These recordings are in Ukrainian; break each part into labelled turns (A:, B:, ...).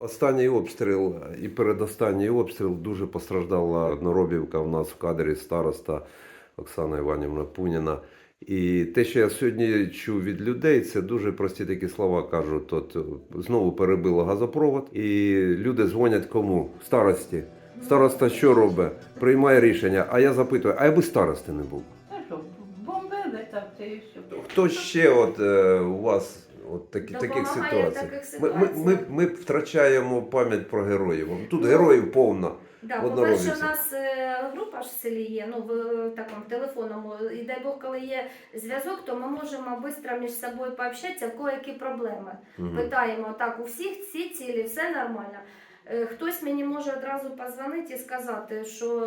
A: Останній обстріл і передостанній обстріл дуже постраждала Одноробівка. У нас в кадрі староста Оксана Іванівна Пуніна. І те, що я сьогодні чув від людей, це дуже прості такі слова кажуть. От знову перебило газопровод, і люди дзвонять кому? Старості. Староста що робить? Приймає рішення. А я запитую, а якби старости не був?
B: Ну що, бомбили там це і все.
A: Хто ще у вас таких
C: Допомагає в
A: ситуацій?
C: таких ситуаціях.
A: Ми втрачаємо пам'ять про героїв. Тут героїв повна.
C: Да,
A: в
C: по-перше,
A: Одноробівці.
C: у нас група ж в селі є, ну в такому телефонному, і дай Бог, коли є зв'язок, то ми можемо швидко між собою пообщатися, в кого які проблеми.
A: Мгм.
C: Питаємо, так, у всіх всі цілі, все нормально. Хтось мені може одразу позвонити і сказати, що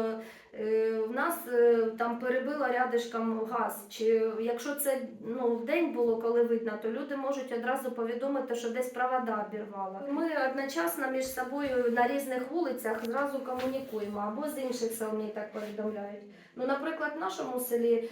C: в нас там перебило рядишком газ. Чи якщо це в день було, коли видно, то люди можуть одразу повідомити, що десь провода обірвало. Ми одночасно між собою на різних вулицях зразу комунікуємо, або з інших сел мені так повідомляють. Ну, наприклад, в нашому селі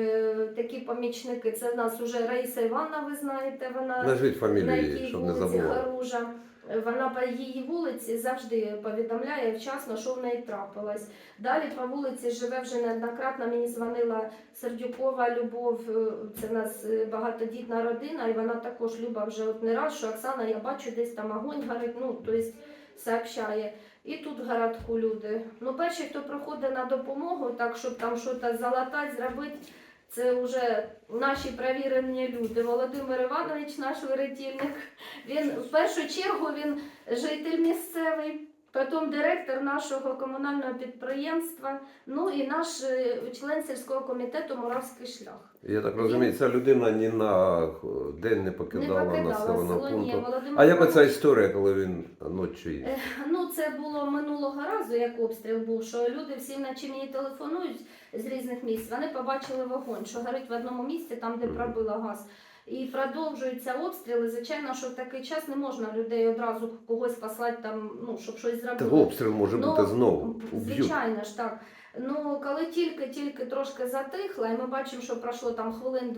C: такі помічники, це в нас вже Раїса Івановна, ви знаєте, вона
A: Назвіть
C: на
A: фамілію,
C: якій
A: щоб не
C: вулиці
A: забували.
C: Харужа. Вона по її вулиці завжди повідомляє вчасно, що в неї трапилось. Далі по вулиці живе вже неоднократно, мені дзвонила Сердюкова Любов, це в нас багатодітна родина, і вона також Люба вже от не раз, що Оксана, я бачу, десь там огонь горить, тобто сообщає. І тут в городку люди. Перші, хто приходить на допомогу, так, щоб там щось залатати, зробити, це вже наші перевірені люди. Володимир Іванович, наш вирятівник, він в першу чергу він житель місцевий, потім директор нашого комунального підприємства, і наш член сільського комітету «Моравський шлях».
A: Я так розумію, ця людина ні на день не покидала населеного
C: село, ні.
A: пункту.
C: Володимир
A: А як оця
C: Іванович-
A: історія, коли він ночі?
C: Це було минулого разу, як обстріл був, що люди всі вночі мені телефонують з різних місць, вони побачили вогонь, що горить в одному місці, там, де пробило газ. І продовжуються обстріли. Звичайно, що в такий час не можна людей одразу когось послати, там, щоб щось зробити.
A: Та обстріл може бути знову. Уб'ють.
C: Звичайно ж так. Коли тільки трошки затихло, і ми бачимо, що пройшло там хвилин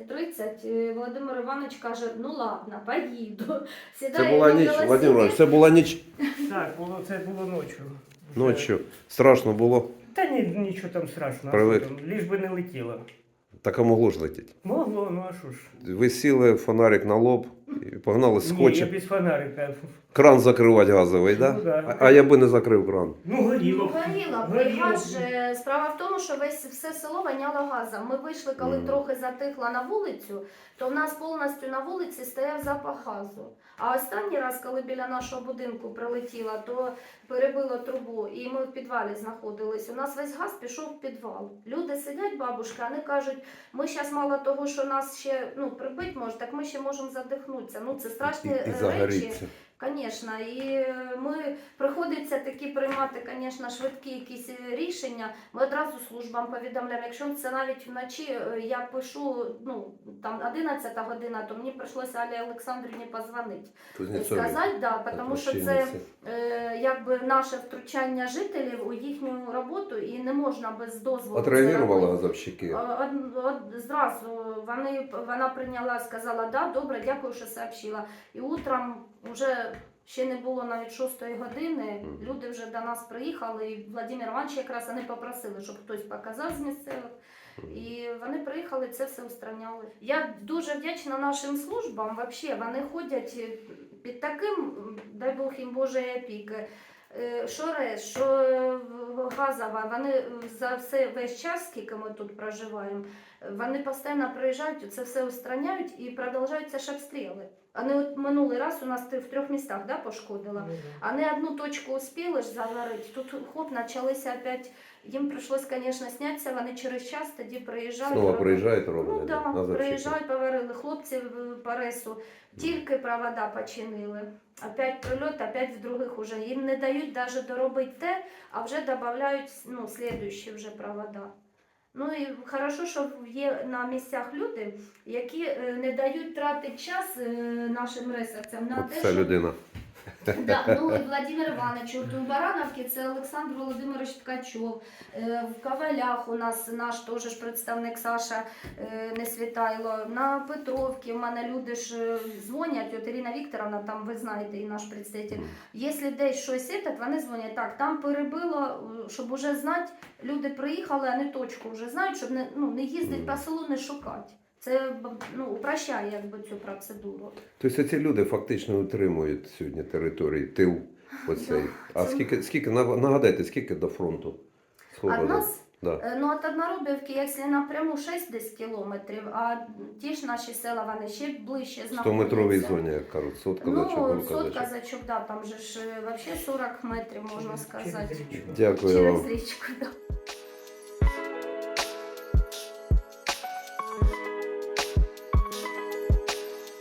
C: 20-30, Володимир Іванович каже, ладно, поїду.
A: Це була ніч, Володимир Іванович, це була ніч.
D: Так, це було ночі.
A: Ночі. Страшно було.
D: Та нічого там страшного,
A: Привик.
D: ліж би не летіло.
A: Так а могло ж летіти.
D: Могло, а що ж.
A: Ви сіли, фонарик на лоб і погнали
D: Ні, я
A: скотчем.
D: без фонарика.
A: Кран закривати газовий,
D: Ну,
A: да?
D: да.
A: А я би не закрив кран.
D: Горіло.
C: Горіло. Газ же, справа в тому, що все село воняло газом. Ми вийшли, коли трохи затихло на вулицю, то в нас повністю на вулиці стояв запах газу. А останній раз, коли біля нашого будинку прилетіло, то перебило трубу, і ми в підвалі знаходились. У нас весь газ пішов в підвал. Люди сидять, бабушка, вони кажуть, ми зараз мало того, що нас ще прибить може, так ми ще можемо задихнутися. Це страшні
A: І
C: речі.
A: загоріться.
C: Звісно, і ми приходиться такі приймати, звісно, швидкі якісь рішення. Ми одразу службам повідомляємо. Якщо це навіть вночі, я пишу, там 11 година, то мені прийшлося Алі Олександрівні позвонити.
A: Кузнєцові.
C: Сказати, тому що це
A: Плащаниці.
C: якби наше втручання жителів у їхню роботу і не можна без дозволу. це
A: Отреагували
C: робити.
A: газовщики?
C: Зразу вона прийняла, сказала, да, добре, дякую, що сообщила. І утром вже ще не було навіть 6-ї години, люди вже до нас приїхали, і Владимир Іванович якраз вони попросили, щоб хтось показав з місцевих. І вони приїхали, це все устраняли. Я дуже вдячна нашим службам, взагалі, вони ходять під таким, дай Бог їм Божої опіки, що РЕС, що газова, вони за весь час, скільки ми тут проживаємо, вони постійно приїжджають, це все устраняють і продовжуються ж обстріли. Вони минулий раз у нас в 3 містах пошкодило, а не одну точку успіли ж заварити, тут хоп, почалися опять, їм прийшлось, звісно, знятися, вони через час тоді приїжджають.
A: Знову приїжджають, роблять.
C: Ну так,
A: газовщики.
C: приїжджають, поварили хлопці по РЕСу, тільки провода починили. Опять прильот, опять в других уже. Їм не дають навіть доробити те, а вже додають слідуючі вже провода. І хорошо, що є на місцях люди, які не дають тратити час нашим ресурсам на те,
A: Це
C: щоб
A: людина.
C: Да, ну і Владимир Іванович, от у Барановці це Олександр Володимирович Ткачов. В Ковалях у нас наш теж ж представник Саша Несвітайло. На Петровці в мене люди ж дзвонять, от Ірина Вікторовна, там ви знаєте, і наш представитель. Якщо десь щось вони дзвонять, так, там перебило, щоб уже знати, люди приїхали, а не точку вже знають, щоб не їздити по селу, не шукати. Це упрощає якби цю процедуру.
A: Тобто ці люди фактично утримують сьогодні території, тил оцей. А скільки, нагадайте, скільки до фронту?
C: От нас,
A: Да.
C: от Одноробівки, якщо напряму 6 десь кілометрів, а ті ж наші села, вони ще ближче знаходяться.
A: 100-метровій зоні, як кажуть, сотка зачок, гулка
C: сотка
A: зачок.
C: зачок, да, там же ж взагалі 40 метрів, можна сказати.
A: Дякую
C: Через
A: вам.
C: річку, да.